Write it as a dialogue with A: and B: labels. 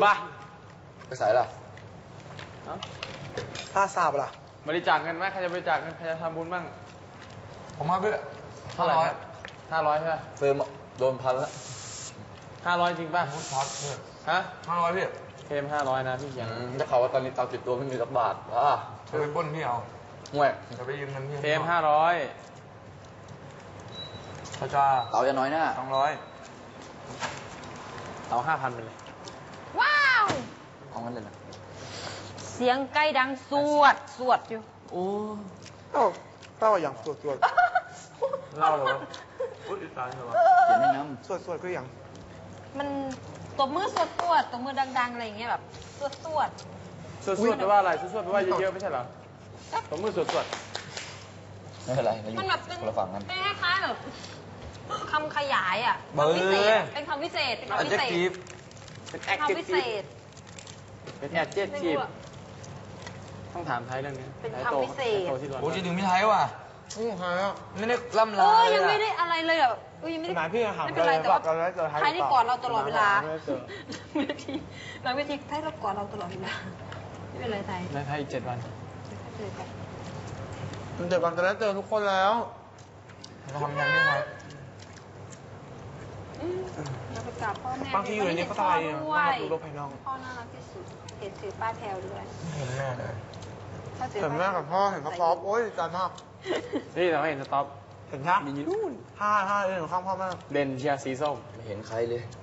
A: บ้า
B: ไปใส่ละ
C: ถ้าทราบล่ะ
A: บริจาคเงินไหมใครจะบริจาคเงินใครจะทำบุญบ้าง
B: ผมมาเพื่อ
A: เท่าไหร่500ใช่ไหม
B: เฟิร์มโดนพันแล้ว
A: 500จริงป่ะ
B: พัดเนี่ย
A: ฮะ
B: 500พี่
A: เทม500นะพี่ยัง
B: จะข่าวว่าตอนนี้ตังค์ติดตัวไม่มีสักบาทจะไปป้นพี่เอาห่วยจะไปยืมเงินพี่
A: เทม500
B: พระเจ้าเต่าจะน้อยหน้า200
A: เอา5,000ไปเลย
D: ว้าว
B: เอางั้นเลยนะ
D: เสียงไก่ดังสวดอยู่
C: โอ้เล่าอย่างสวด
A: เล่าเหรอพูดอีสานเหรอ
B: เขียนให้น้ำ
C: สวดก็อย่าง
D: มันตบมือสวดตบมือดังๆอะไรอย่างเงี้ยแบบสวด
A: แปลว่าอะไรสวดแปลว่าเยอะๆไม่ใช่เหรอตบมือสวด
B: ไม่เป็นไร
D: มันแบบเป็นคล้ายๆแบบคำขยายอ่ะเป็นคำวิเศษเป็นคำวิเศษ
A: เป็นแอดเจ็ตทีฟต้องถามไทยเรื่องนี้
D: เป็นคำวิเศษ
B: โอ้จริงๆไม่ไทยว่ะไม่ได้ล่ำลา
D: ยังไม่ได้อะไรเลยอ่ะยังไม่ได้ไม่เป็นไรแต่ว่าไทยนี่ก่อนเราตลอดเวลาเวทีไทยเราก่อนเราตลอดเวลาไม่เป็นไรไทย
A: ในไทยอีก7 วัน
C: มัน7 วันจะได้เจอทุกคนแล้ว
B: เราทำงานไม่ไหว
D: เราไปกราบพ่อแม่
C: บางทีอยู่ในนี้ก็ตายอ่ะดูโลกภายนอก
D: พ่อน่ารักที่สุดเห็นถือป้ายแพลวด้วย
B: เห็นแม่เลย
C: เห็นแม่กับพ่อเห็นพ่อโอ๊ยดีใจมาก
A: นี่เราเห็นสต็อป
C: เห็นชัด
A: มีนู่น
C: 5เห็นข้างพ่อแม่
A: เด่นเชียร์สีส้ม
B: ไม่เห็นใครเลย